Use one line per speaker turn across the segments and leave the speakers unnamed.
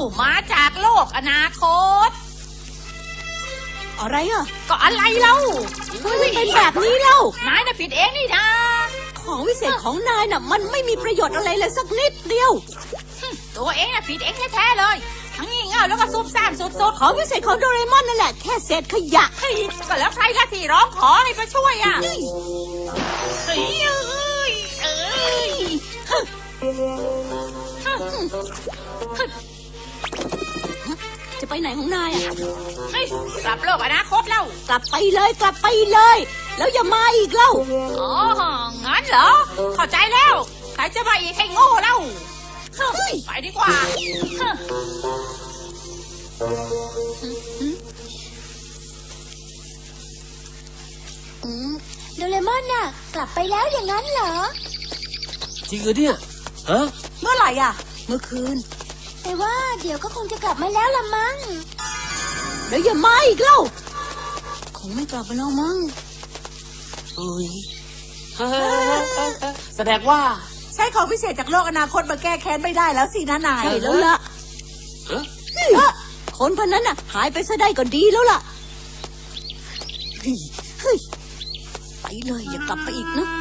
มาจากโลกอนาคต
อะไรอ่ะ
ก็อะไรเล่า
ไม่เป็นแบบนี้เล่าน
ายน่ะผิดเองนี่นะ
ของวิเศษของนายน่ะมันไม่มีประโยชน์อะไรเลยสักนิดเดียว
ตัวเองน่ะผิดเองแท้ๆเลยทั้งงี่เง่าแล้วก็ซุ่มซ่ามสุด
ๆของวิเศษของโดเรมอนนั่นแหละแค่เศษขยะ
ก็แล้วใครละที่ร้องขอให้มาช่วยอ่ะ
จะไปไหนของนายอ่ะ
กลับโลกอนาคตแล้ว
กลับไปเลยแล้วอย่ามาอีกเล่า
อ๋องั้นเหรอเข้าใจแล้วใครจะมาอีกให้โง่เล่าไปดีกว่า
โดเรมอนน่ะกลับไปแล้วอย่างนั้นเหรอ
จริงเหรอเนี่ยฮะ
เมื่อไหร่อ่ะเมื่อคืน
แต่ว่าเดี๋ยวก็คงจะกลับมาแล้วละมั้ง
แล้วอย่ามาอีกเล่าคงไม่กลับมาแล้วมั้ง
เฮ้ยแสดงว่า
ใช้ของพิเศษจากโลกอนาคตมาแก้แค้นไม่ได้แล้วสินะนายใช่แล้วล่ะคนพวกนั้นน่ะหายไปซะได้ก็ดีแล้วล่ะเฮ้ยไปเลยอย่ากลับไปอีกนะ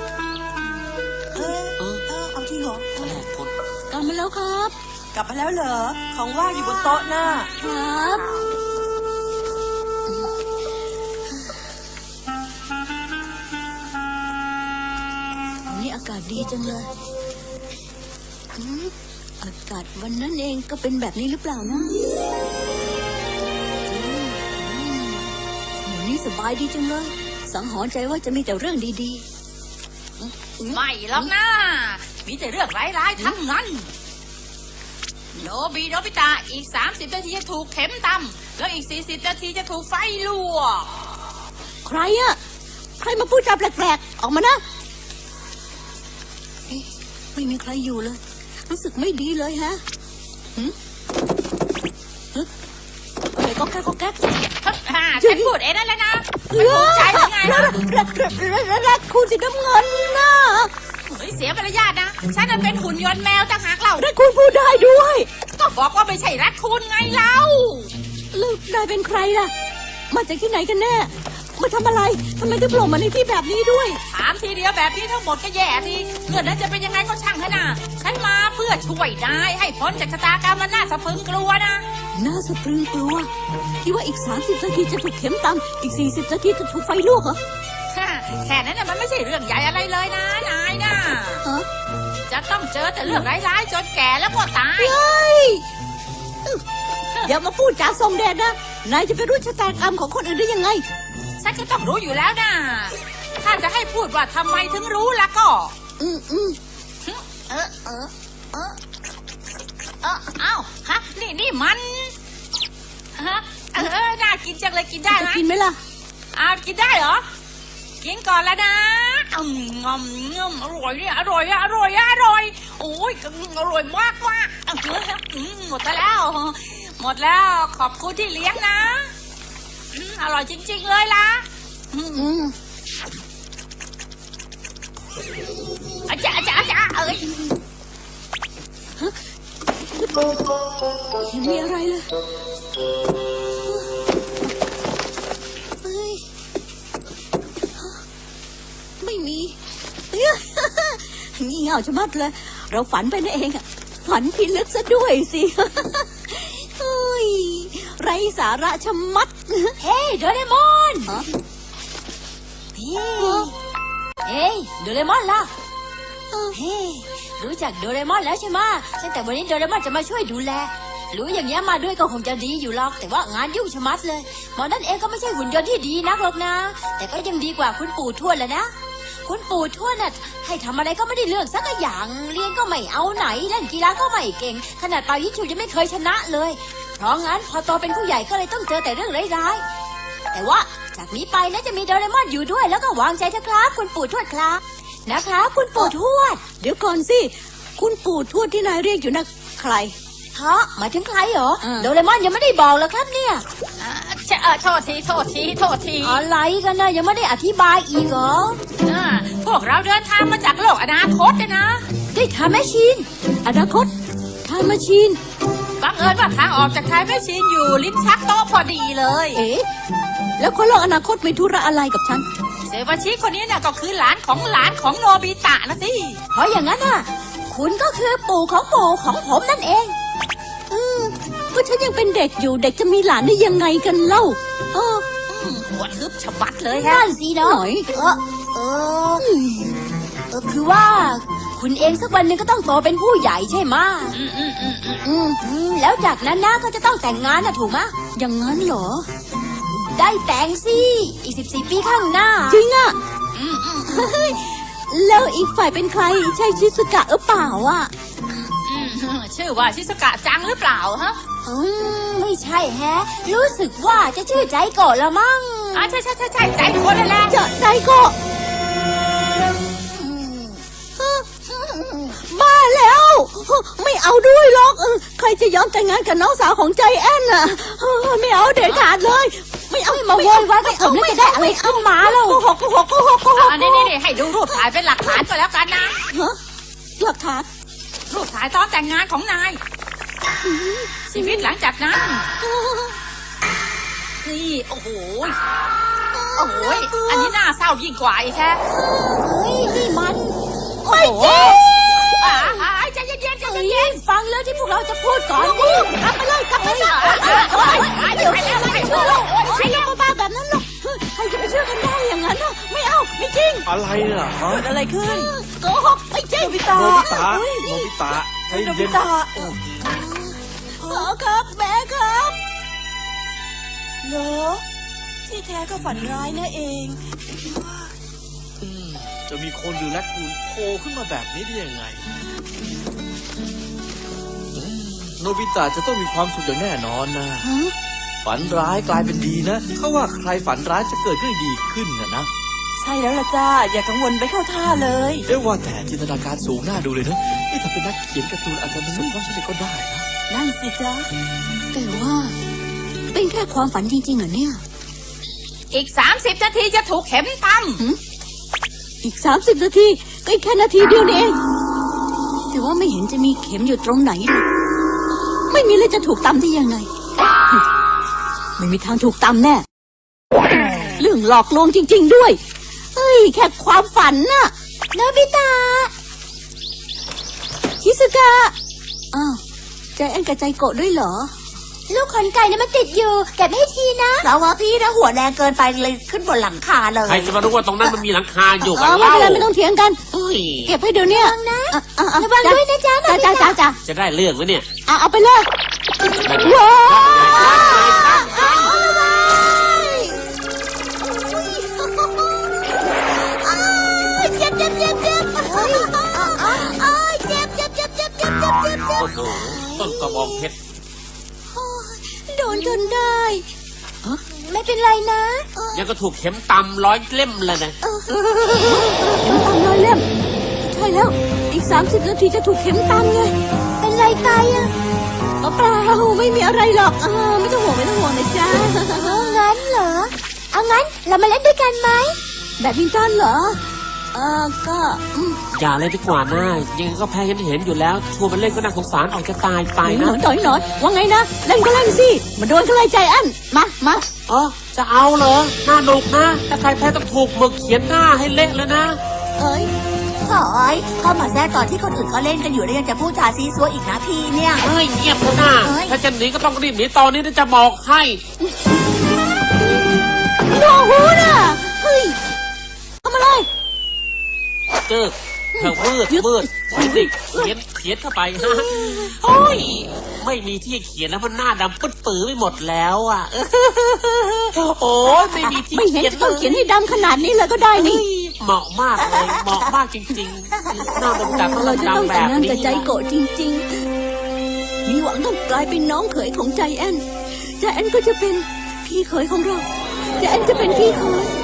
เอาที่เหรอกลับมาแล้วครับกลับมาแล้วเหรอของว่างอยู่บนโต๊ะน่ะครับวันนี้อากาศดีจังเลยอากาศวันนั้นเองก็เป็นแบบนี้หรือเปล่านะวันนี้สบายดีจังเลยสังหรณ์ใจว่าจะมีแต่เรื่องดี
ๆไม่หรอกนะมีแต่เรื่องร้ายๆทั้งนั้นโนบิตะอีก30 นาทีจะถูกเข็มตำแล้วอีก40 นาทีจะถูกไฟลวก
ใครอะใครมาพูดจาแปลกๆออกมานะไม่มีใครอยู่เลยรู้สึกไม่ดีเลยฮะอะไรก็แก๊ก
ฉันพูดเองนั่นแหละนะไม่ถูกใจยังไง
รักคุณสีน้ำเงินนะ
เสียมารยาทนะฉันเป็นหุ่นยนต์แมวต่างหากเรา
รักคุณพูดได้ด้วย
ก็บอกว่าไม่ใช่รักคุณไงเล่า
แล้วนายเป็นใครล่ะมาจากที่ไหนกันแน่มาทำอะไรทำไมถึงโผล่มาในที่แบบนี้ด้วย
ถามทีเดียวแบบนี้ทั้งหมดก็แย่ทีเรื่องนั้นจะเป็นยังไงก็ช่างเถอะนะฉันมาเพื่อช่วยนายให้พ้นจากชะตากรรมมันน่าสะพรึงกลัวนะ
น่าสะพรึงกลัวที่ว่าอีก30 นาทีจะถูกเข็มตำอีก40 นาทีจะถูกไฟลวกเหรอ
แค่นั้นน่ะมันไม่ใช่เรื่องใหญ่อะไรเลยนะนายนะจะต้องเจอแต่เรื่องร้ายๆจนแก่แล้วก็ตาย
อย่ามาพูดจาส่งแดดนะนายจะไปรู้ชะตากรรมของคนอื่นได้ยังไง
ฉันก็ต้องรู้อยู่แล้วนะถ้าจะให้พูดว่าทำไมถึงรู้แล้วก็อ้าวฮะนี่มันน่ากินจังเลยกินได้ไหม
กินไหมล่ะ
กินได้เหรอกินก่อนแล้วนะงอมอร่อยเนี่ยอร่อยโอ้ยอร่อยมากหมดแล้วขอบคุณที่เลี้ยงนะอร่อยจริงๆเลยล่ะอาจารย์เอ้ย
ยังมีอะไรเลยไม่มีงี่เง่าชะมัดเลยเราฝันไปนั่นเองอะฝันพิลึกซะด้วยสิไรสาระชะมัด
เฮ้โดเรมอนเฮ้โดเรมอนล่ะเฮ้รู้จักโดเรมอนแล้วใช่ไหมตั้งแต่วันนี้โดเรมอนจะมาช่วยดูแลรู้อย่างเงี้ยมาด้วยก็คงจะดีอยู่หรอกแต่ว่างานยุ่งชะมัดเลยหมอนั่นเองก็ไม่ใช่หุ่นยนต์ที่ดีนักหรอกนะแต่ก็ยังดีกว่าคุณปู่ทวดแหละนะคุณปู่ทวดน่ะให้ทำอะไรก็ไม่ได้เรื่องสักอย่างเรียนก็ไม่เอาไหนเล่นกีฬาก็ไม่เก่งขนาดเป่ายิงฉุบยังไม่เคยชนะเลยเพราะงั้นพอโตเป็นผู้ใหญ่ก็เลยต้องเจอแต่เรื่องร้ายๆแต่ว่าจากนี้ไปนะจะมีโดเรมอนอยู่ด้วยแล้วก็วางใจเถอะครับคุณปู่ทวดครับนะครับคุณปู่ทวด
เดี๋ยวก่อนสิคุณปู่ทวดที่นายเรียกอยู่นะใคร
ฮะหมายถึงใครเหรอโดเรมอนยังไม่ได้บอกเลยครับเนี่ย
โทษที
อะไรกันนะยังไม่ได้อธิบายอีกเหรอ
พวกเราเดินทางมาจากโลกอนาคตนะ
ได้ทำแมชชีน
อนาคตทำแมชชีน
บังเอิญว่าทางออกจากไทยแมชชีนอยู่ลิ้นชักโต๊ะพอดีเลย
เอ๊ะแล้วคนโลกอนาคตมีธุระอะไรกับฉัน
เซวาชิคนนี้น่ะก็คือหลานของโนบิตะนะสิ
เพราะอย่างนั้นน่ะ คุณก็คือปู่ของผมนั่นเอง
ก็ฉันยังเป็นเด็กอยู่เด็กจะมีหลานได้ยังไงกันเล่าเออ
หัวทึบฉบัดเลยฮะ
นั่นสิเนาะ
หน่อย
คือว่า คุณเองสักวันหนึ่งก็ต้องโตเป็นผู้ใหญ่ใช่ไหมะแล้วจากนั้นนะก็จะต้องแต่งงานนะถูกไหมะ
อย่างนั้นเหรอ
ได้แต่งสิ อีก14 ปีข้างหน้า
จริงอ่ะเฮ้ยแล้วอีกฝ่ายเป็นใครใช่ชิสุกะหรือเปล่าอ่ะ
ชื่อว่าชิสกะจังหรือเปล่าฮะ
ไม่ใช่แฮะ รู้สึกว่าจะชื่อใจโกะละมั้ง
ใช่ใจคนนั่นแหละ
จะใจก็บ้าแล้ว ไม่เอาด้วยหรอกใครจะยอมแต่งงานกับน้องสาวของใจแอนน่ะไม่เอาเด็ดขาดเลย ไม่เอา
มาโวยวายกับผมแล้วจะได้อะไรขึ้นมาแล้ว
โกหก
นี่ให้ดูรูปถ่ายเป็นหลักฐานก็แล้วกันนะ
ฮะหลักฐาน
รูปถ่ายตอนแต่งงานของนาย ชีวิตหลังจากนั้น นี่โอ้โหอันนี้น่าเศร้ายิ่งกว่าอีกแค่
เฮ้ยนี่มัน
ไม่จริง
ใจเย็น
ฟังเรื่องที่พวกเราจะพูดก่อนดิ
กลับไปเลยไปแล้วไม่เชื่อหรอกใครยังบ้าแบบนั้นหรอกใครจะไปเชื่อกันได้อย่างนั้นน่ะไม่เอาไม่จริง
อะไรเนี่ยฮะ
เกิดอะไรขึ้นโกหกไม่จริงโนบิตะ
โนบิตะใจ
โนบิ
เย็น
ตะพ่อครับแม่ครับเหรอที่แท้ก็ฝันร้ายนะเอง
จะมีคนดูแลคูนโผล่ขึ้นมาแบบนี้ได้ยังไงโนบิตะจะต้องมีความสุขอย่างแน่นอนนะ ฝันร้ายกลายเป็นดีนะเขาว่าใครฝันร้ายจะเกิดขึ้นดีขึ้นนะ
ใช่แล้วล่ะจ้าอย่ากังวลไปเข้าท่าเลย
เรียกว่าแต่จินตนาการสูงน่าดูเลยนะนี่ถ้าเป็นนักเขียนการ์ตูนอาจจะประสบความสำเร็จก็ได้นะ
นั่นสิจ้าแต่ว่าเป็นแค่ความฝันจริงๆเหรอเนี่ย
อีก30 นาทีจะถูกเข็มต
อีก30 นาทีก็อีกแค่นาทีเดียวนี่เองแต่ว่าไม่เห็นจะมีเข็มอยู่ตรงไหนเลยไม่มีเลยจะถูกตำได้ยังไงไม่มีทางถูกตำแน่เรื่องหลอกลวงจริงๆด้วยเฮ้ยแค่ความฝันน่ะ
โนบิตะ
ชิสุกะอ้าวใจแอนกับใจโกะด้วยเหรอ
ลูกขนไก่เนี่ยมันติดอยู่เก็บให้ทีนะ
เราว่าพี่นะหัวแรงเกินไปเลยขึ้นบนหลังคาเลย
ใครจะมารู้ว่าตรงนั้นมันมีหลังคาอยู่กัน
ไม่
เล่า
เป็นไรไม่ต้องเถียงกัน
อุ้ย
เก็บให้เดี๋ยวนี้
ระวังนะระวังด้วยนะจ๊ะโนบิตะ
จ้า
จะได้เรื่องไหมเนี่ย
เอาไปเลย
แบบ
ว้า เจ็บเจ็บเจ็บเจ็บเจ็บ
โอ้โหต้นกระบองเพชร
โดนจนได้
ไม่เป็นไรนะ
ยังก็ถูกเข็มตำร้อยเล่มเลยนะ
เข็มตำร้อยเล่มใช่แล้วอีก30 นาทีจะถูกเข็มตำไง
เป็นไรตายอ่ะ
เปล่าไม่มีอะไรหรอกไม่ต้องห่วงนะจ๊ะ
งั้นเหรอเอางั้นเรามาเล่นด้วยกันไหม
แบดมินตันเหรอก็
อย่าเลยดีกว่านะยังไงก็แพ้เห็นอยู่แล้วชวนมันเล่นก็น่าสงสารออกจะตายไป
หน่
นะ
อยว่าไงนะเล่นก็เล่นสิมาโดนกันเลยใจอันมา
อ๋อจะเอาเหรอน่าหนุกนะถ้าใครแพ้ต้องถูกหมึกเขียนหน้าให้เละเลยนะ
เอ้ย
โอ้ยเข้ามาแทรกตอนที่คนอื่นเขาเล่นกันอยู่แล้วยังจะพูดจาซีซัวอีกนะพี่เนี่ย
เฮ้ยเงียบเถอะนะ
เฮ้ย
ถ้าจะหนีก็ต้องรีบหนีตอนนี้นะจะบอกให้
โนหูน่ะเฮ้ยทำอะไร
เจอเธอมืดสิเขียนเข้าไปฮะโอ้ยไม่มีที่เขียนแล้วมันหน้าดำปึ๊ดปื้อไปหมดแล้วอ่ะโอ้ยไม่มีที่
ไม่เห็น
เขียน
จะต้องเขียนให้ดำขนาดนี้เลยก็ได้นี่
เหมาะมากเลยเหมาะมากจริงๆหน้าดำๆต้อง
เราจะต้อง
ดำๆแบ
แต่ง
บ
งาน
นี้
กับใจโกะจริงๆ มีหวังต้องกลายเป็นน้องเขยของใจแอนใจแอนก็จะเป็นพี่เขยของเราใจแอนจะเป็นพี่เขย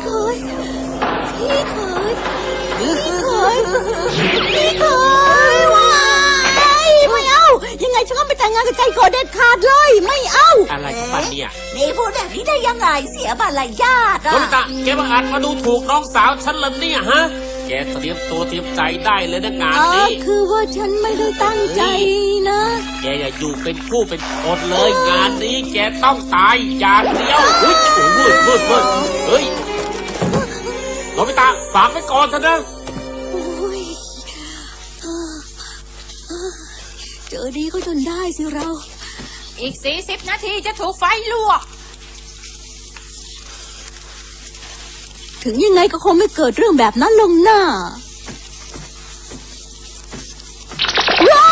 ว้ายไม่เอายังไงฉันก็ไม่แต่งงานกับใจโกะเด็ดขาดเลยไม่เอา
อะไรของมันเนี่ย
นี่พูดแบบนี้ได้ยังไงเสียมารยาท
โนบิตะแกมาอ่านมาดูถูกน้องสาวฉันเลยเนี่ยฮะแกแกเตรียมตัวเตรียมใจได้เลยนะงาน
อ๋อ
นี้
คือว่าฉันไม่ได้ตั้งใจนะ
แกอย่าอยู่เป็นผู้เป็นคนเลยงานนี้แกต้องตายอย่างเดียวเฮ้ยโอ้โหมืดเฮ้ยโนบิตะฝากไว้ก่อนเถอะนะ
โอ้ยเจอดีก็จนได้สิเรา
อีก40 นาทีจะถูกไฟลวก
ถึงยังไงก็คงไม่เกิดเรื่องแบบนั้นลงหน้าว้าย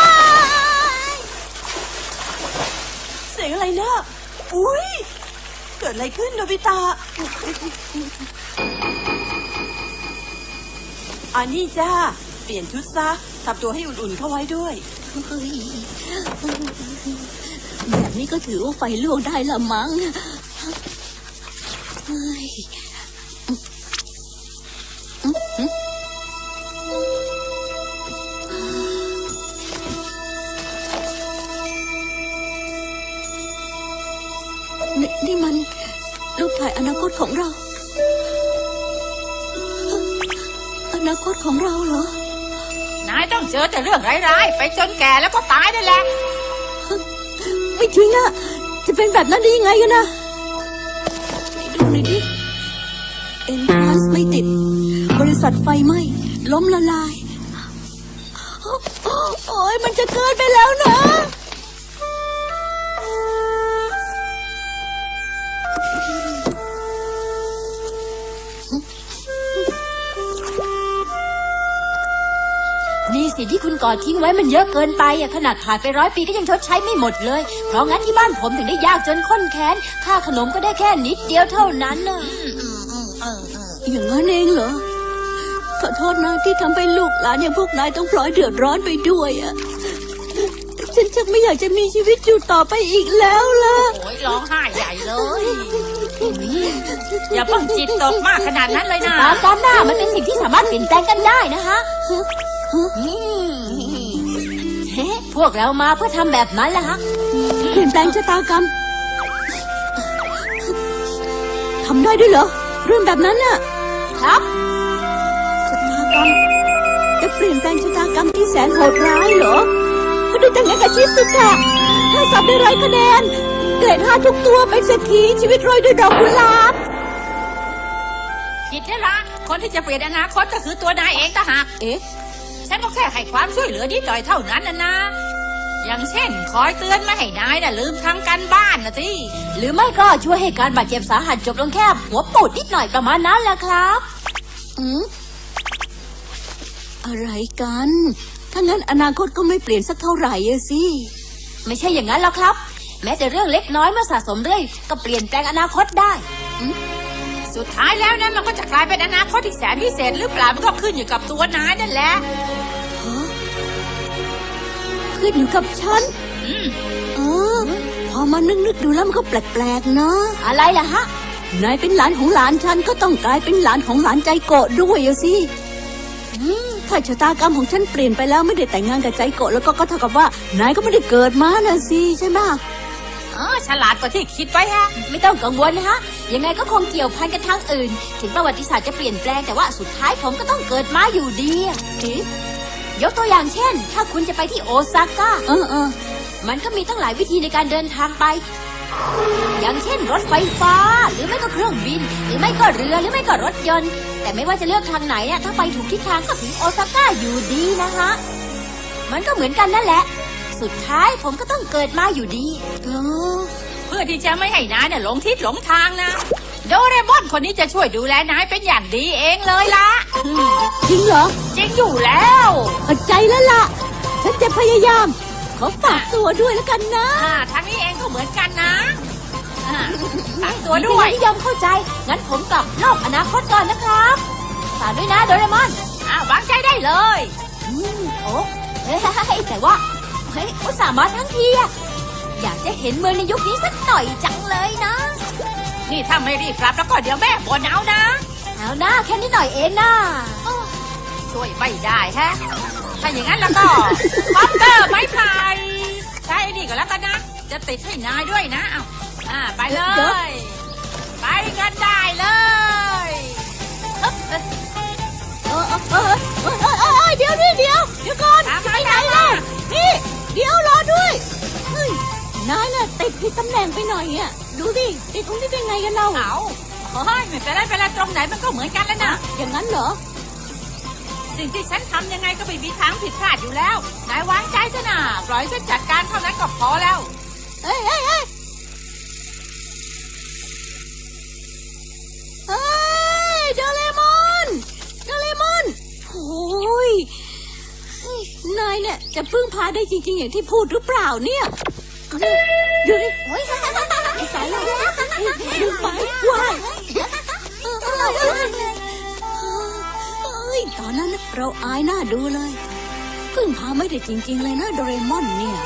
เสียงอะไรนะอุ้ยเกิดอะไรขึ้นโนบิตะอันนี้จ้าเปลี่ยนชุดซะทำตัวให้อุ่นๆเข้าไว้ด้วย
เฮ้ยแบบนี้ก็ถือว่าไฟลวกได้ละมั้งเฮ้ยนี่มันรูปถ่ายอนาคตของเรา อนาคตของเราเหรอ
นายต้องเจอแต่เรื่องร้ายๆไปจนแก่แล้วก็ตายนั่นแหละ
ไม่จริงอะจะเป็นแบบนั้นได้ยังไงกันนะไหนดูหน่อยดิเอ็นทรานซ์ไม่ติด บริษัทไฟไหม้ล้มละลาย โอ้ยมันจะเกินไปแล้วนะ
นี่สิที่คุณก่อทิ้งไว้มันเยอะเกินไปอะขนาดผ่านไป100 ปีก็ยังชดใช้ไม่หมดเลย เพราะงั้นที่บ้านผมถึงได้ยากจนข้นแค้นค่าขนมก็ได้แค่นิดเดียวเท่านั้นน่ะ
อย่างนั้นเองเหรอ ขอโทษนะที่ทำให้ลูกหลานอย่างพวกนายต้องพลอยเดือดร้อนไปด้วยอะฉันชักไม่อยากจะมีชีวิตอยู่ต่อไปอีกแล้วล่ะ
โอ้ยร้องไห้ใหญ่เลย อย่าเพิ่งจิตตกมากขนาดนั้นเลยนะ
ตามกันหน้ามันเป็นสิ่งที่สามารถเปลี่ยนแปลงกันได้นะคะพวกเรามาเพื่อทำแบบนั้นแหละฮะ
เปลี่ยนแปลงชะตากรรมทำได้ด้วยเหรอ เรื่องแบบนั้นน่ะ
ครับ
ชะตากรรมจะเปลี่ยนแปลงชะตากรรมที่แสนโหดร้ายเหรอก็ดูแต่งงานกับชิสุกะถ้าสอบได้100 คะแนนเกรด5ทุกตัวเป็นเศรษฐีชีวิตโรยด้วยดอกกุหลาบ
ผิดแล้วละคนที่จะเปลี่ยนอนาคตก็คือตัวนายเองต่างหาก
เอ๊ะ
ฉันก็แค่ให้ความช่วยเหลือนิดหน่อยเท่านั้นนะ อย่างเช่น คอยเตือนไม่ให้นายน่ะลืมทำการบ้านนะสิ
หรือไม่ก็ช่วยให้การบาดเจ็บสาหัสจบลงแค่หัวปูดนิดหน่อยประมาณนั้นแหละครับ
อะไรกัน ถ้างั้นอนาคตก็ไม่เปลี่ยนสักเท่าไหร่อะสิ
ไม่ใช่อย่างนั้นหรอกครับ แม้แต่เรื่องเล็กน้อยเมื่อสะสมเรื่อยก็เปลี่ยนแปลงอนาคตได้
สุดท้ายแล้วนะมันก็จะกลายเป็นอนาคตที่แสนพิเศษหรือเปล่ามันก็ขึ้นอยู่กับตัวนายนั่นแหละ
ขึ้นอยู่กับฉันพอมานึกดูแล้วมันก็แปลกๆนะ
อะไรล่ะฮะ
นายเป็นหลานของหลานฉันก็ต้องกลายเป็นหลานของหลานใจโกะด้วยอะสิถ้าชะตากรรมของฉันเปลี่ยนไปแล้วไม่ได้แต่งงานกับใจโกะแล้วก็เท่ากับว่านายก็ไม่ได้เกิดมาน่ะสิใช่ไหม
ฉลาดกว่าที่คิดไว้ฮะ
ไม่ต้องกังวลนะฮะ ยังไงก็คงเกี่ยวพันกันทางอื่น ถึงประวัติศาสตร์จะเปลี่ยนแปลงแต่ว่าสุดท้ายผมก็ต้องเกิดมาอยู่ดีอะ
เอ๊ะ
ยกตัวอย่างเช่น ถ้าคุณจะไปที่โอซาก้า
อ
มันก็มีตั้งหลายวิธีในการเดินทางไป อย่างเช่นรถไฟฟ้า หรือไม่ก็เครื่องบิน หรือไม่ก็เรือ หรือไม่ก็รถยนต์ แต่ไม่ว่าจะเลือกทางไหนเนี่ยถ้าไปถูกทิศทางก็ถึงโอซาก้าอยู่ดีนะฮะ มันก็เหมือนกันนั่นแหละ สุดท้ายผมก็ต้องเกิดมาอยู่ดี
เพื่อที่จะไม่ให้นายเนี่ยหลงทิศหลงทางนะ โดเรมอนคนนี้จะช่วยดูแลนายเป็นอย่างดีเองเลยล่ะ
จริงเหรอ
จริงอยู่แล้ว
เข้าใจแล้วล่ะ ฉันจะพยายาม ขอฝากตัวด้วยแล้วกันนะ
ทางนี้เองก็เหมือนกันนะฝากตัวด้วย
นิยมเข้าใจ งั้นผมกลับโลกอนาคตก่อนนะครับฝากด้วยนะโดเรมอน
วางใจได้เลย
โอ้เฮ้ยแต่ว่าเฮ้ยอุตส่าห์มาทั้งทีอะอยากจะเห็นเมืองในยุคนี้สักหน่อยจังเลยนะ
นี่ถ้าไม่รีบกลับแล้วก็เดี๋ยวแม่บ่นเอานะ
เอาหน้าแค่นิดหน่อยเองนะ
ช่วยไม่ได้ฮะ ถ้าอย่างนั้นแล้วก็คอปเตอร์ไม้ไผ่ใช้ไอ้นี่ก็แล้วกันนะ จะติดให้นายด้วยนะเอาไปเลย ไปกันได้เลย
เอออะติดผิดตำแหน่งไปหน่อยอะดูดิติดตรงนี้ได้ไงกันเรา
เอาเฮ้ยไม่เป็นไรเป็นไรตรงไหนมันก็เหมือนกันแล้วนะ
อย่างนั้นเหรอ
สิ่งที่ฉันทำยังไงก็ไม่มีทางผิดพลาดอยู่แล้วนายวางใจซะนะปล่อยฉันจัดการเท่านั้นก็พอแล้ว
เอ้ยเอ้ยเอ้ยเฮ้ยโดเรมอนโดเรมอนโอ้ยนายเนี่ยจะพึ่งพาได้จริงๆอย่างที่พูดหรือเปล่าเนี่ยดูดิโอ้ยสายแล้วลืมไปว้ายตอนนั้นเราอายหน้าดูเลยพึ่งพาไม่ได้จริงๆเลยนะโดเรมอนเนี่ย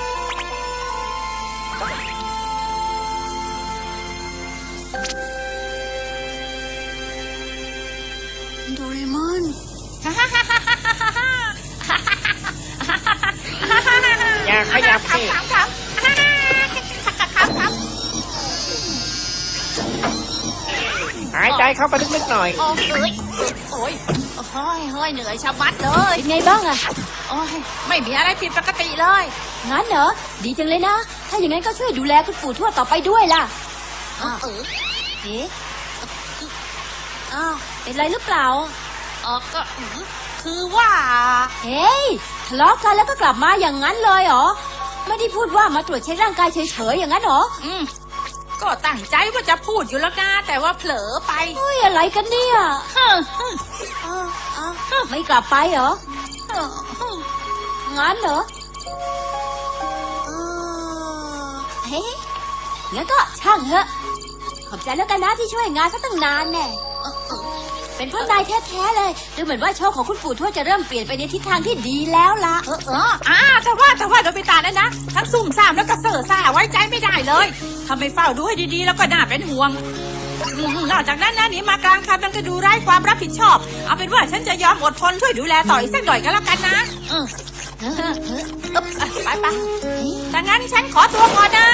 โดเรมอน
อย่าขยับสิ หายใจเข้าไปลึกๆหน่อย
โอ้ยโอ้ยเฮ้ยเหนื่อยชะมัดเลย
เป็นไงบ้างอะ
โอ้ยไม่มีอะไรผิดปกติเลย
งั้นเหรอดีจังเลยนะถ้าอย่างนั้นก็ช่วยดูแลคุณปู่ทวดต่อไปด้วยล่ะเอ๊ะอ้าวเป็นไรหรือเปล่า
ก็คือว่า
เฮ้ยทะเลาะกันแล้วก็กลับมาอย่างนั้นเลยเหรอไม่ได้พูดว่ามาตรวจเช็คร่างกายเฉยๆอย่างนั้นเหรอ
ก็ตั้งใจว่าจะพูดอยู่แล้วนะแต่ว่าเผลอไป
เฮ้ยอะไรกันเนี่ยไม่กลับไปเหรองั้นเหรอเฮ้ยงั้นก็ช่างเถอะขอบใจแล้วกันนะที่ช่วยงานซะตั้งนานแน่เป็นเพราะนายแท้ๆเลยดูเหมือนว่าโชคของคุณปู่ทวดจะเริ่มเปลี่ยนไปในทิศทางที่ดีแล้วล่ะ
แต่ว่าโดบิตานั่นนะทั้งซุ่มซ่ามแล้วก็เซ่อซ่าไว้ใจไม่ได้เลยทำไมเฝ้าดูให้ดีๆแล้วก็น่าเป็นห่วงนอกจากนั้นนะหนีมากลางคันมันก็ดูไร้ความรับผิดชอบเอาเป็นว่าฉันจะยอมอดทนช่วยดูแลต่ออีกสักหน่อยก็แล้วกันนะไปถ้างั้นฉันขอตัวก่อนนะ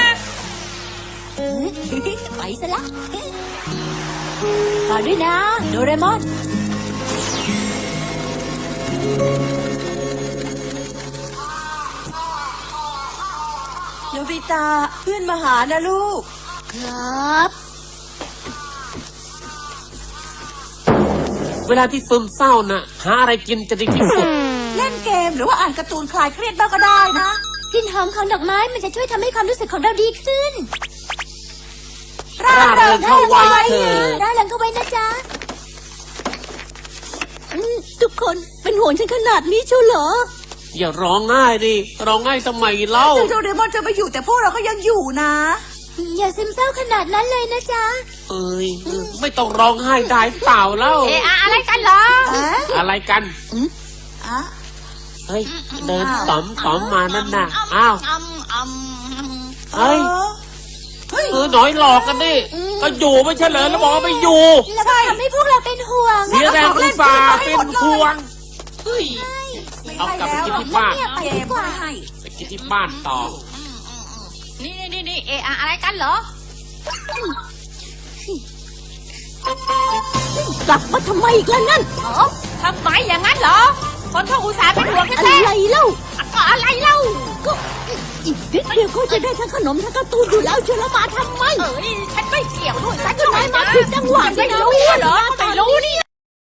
ไปซะละต่อด้วยนะโดเรมอน
โนบิตะเพื่อนมาหานะลูก
ครับ
เวลาที่ซึมเศร้าน่ะ หาอะไรกินจะดีที่สุด
เล่นเกมหรือว่าอ่านการ์ตูนคลายเครียดบ้างก็ได้นะ
กลิ่นหอมของดอกไม้มันจะช่วยทำให้ความรู้สึกของเราดีขึ้น
ร่าเริงเข้าไว้เถอะ
ร่าเริงเข้าไว้นะจ๊ะ
ทุกคนเป็นห่วงฉันขนาดนี้เชียวเหรอ
อย่าร้องไห้ดิร้องไห้ทำไมเล่า
ถึงโดเรมอนจะไม่อยู่แต่พวกเราก็ยังอยู่นะ
อย่าซึมเศร้าขนาดนั้นเลยนะจ๊ะ
เอ้ยไม่ต้องร้องไห้ได้เปล่าเล่า
อะไรกันเหรอ
อะไรกัน
อ่ะ
เฮ้ยเดินต๋อมมานั่นน่ะอ้าวเฮ้ยหน่อยหลอกกันดิก็อยู่ไม่ใช่เหรอแล้วบอกว่าไม่อยู่
แล้วก็ทำให้พวกเราเป็นห่วง
เสียแรงอุตส่าห์เป็นห่วงเฮ้ยเอากลับไปกินที่บ้าน
ไปดีกว่า
ไปกินที่บ้านต่อ
นี่อะไรกันเหรอก
ลับมาทำไมอีกแล้วนั่น
ทำไมอย่างนั้นเหรอคนเขาอุตส่าห์เป็นห่วง
อะ
แท้
ไรเล่า
ๆก็อะไรเล่า
ก็อีกนิดเดียวก็จะได้ทั้งขนมทั้งการ์ตูนอยู่แล้วเชียวแล้วมาทำไม
ฉันไม่เกี่ยวด้วยฉัน
ก็นายมาผิดจังหวะ
ไม่รู้เหรอไม่รู้นี่